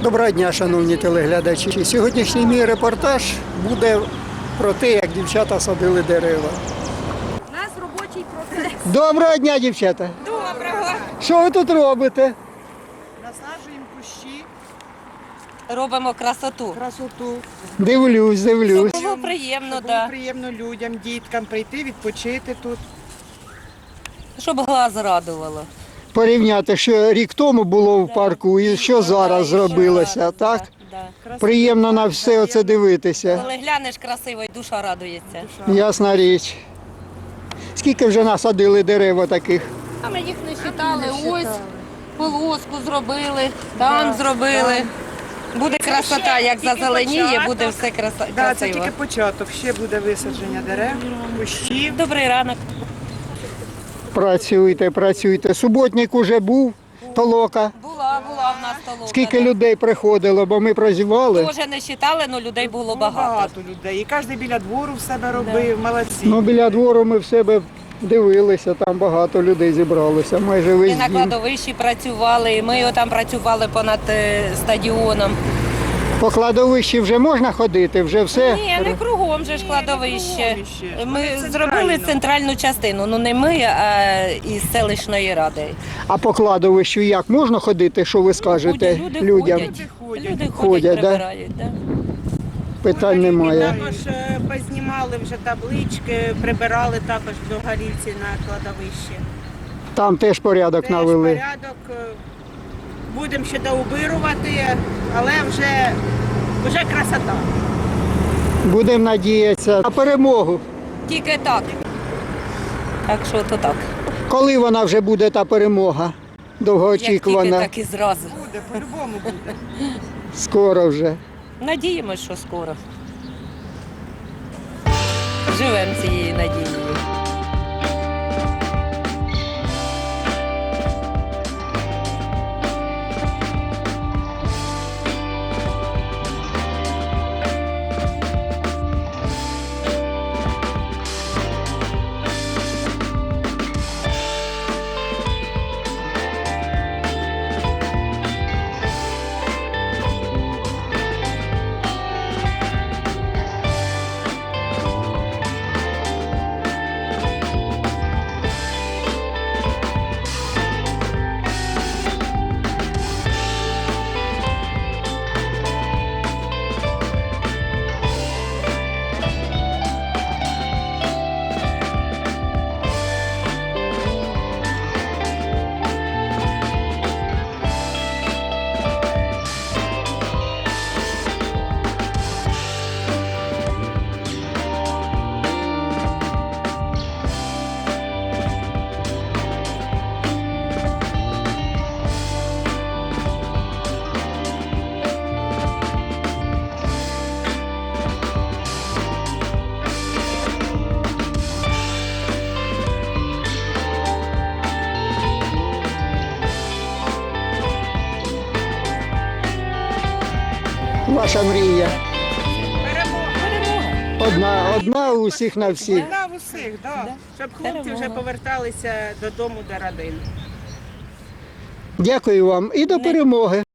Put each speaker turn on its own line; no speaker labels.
Доброго дня, шановні телеглядачі. Сьогоднішній мій репортаж буде про те, як дівчата садили дерева.
У нас робочий процес.
Доброго дня, дівчата!
Доброго.
Що ви тут робите?
Насаджуємо кущі,
Робимо красоту.
красоту.
Дивлюсь.
Було приємно,
Щоб було приємно людям, діткам прийти, відпочити тут.
щоб глаз радувало.
Порівняти, що рік тому було в парку і що зараз зробилося, так?
Да.
Приємно на все це дивитися.
Коли глянеш красиво, і душа радується.
Ясна річ. Скільки вже насадили дерева таких?
А ми їх не вважали. Ось полоску зробили, там зробили. Буде красота, як зазеленіє, буде все
Да, це
красиво.
тільки початок. Ще буде висадження дерев, кущів.
Добрий ранок.
Працюйте. Суботник уже був, толока.
Була в нас толока.
Скільки людей приходило, бо ми прозівали.
Може не вважали, але людей було багато.
Багато людей. І кожен біля двору в себе робив, молодці.
Ну, біля двору ми в себе дивилися, там багато людей зібралося, майже
Ми
весь
на
дім.
кладовищі працювали, і ми там працювали понад стадіоном.
По кладовищі вже можна ходити, вже все.
Ні, не кругом же ж
Ні,
кладовище.
не кругом ще.
Ми
Вони
зробили
центрально.
центральну частину. Ну не ми, а із селищної ради.
А по кладовищу як можна ходити, що ви скажете людям?
Люди
Ходять,
ходять,
да?
прибирають. Да?
Питань немає.
Також познімали вже таблички, прибирали також до горільці на кладовищі.
Там теж порядок
Теж
навели.
порядок. Будемо ще доубирувати, але вже красота.
Будемо надіятися на перемогу.
Тільки так. Так що то так.
Коли вона вже буде та перемога?
Як тільки,
Довгоочікувана.
так і зразу.
Буде, по-любому буде.
Скоро вже.
Надіємось, що скоро. Живемо цією надією.
Ваша мрія.
Перемога.
Одна у всіх на всіх.
Да, в усіх, да. Щоб хлопці вже
Перемога.
поверталися додому до родин.
Дякую вам і до перемоги.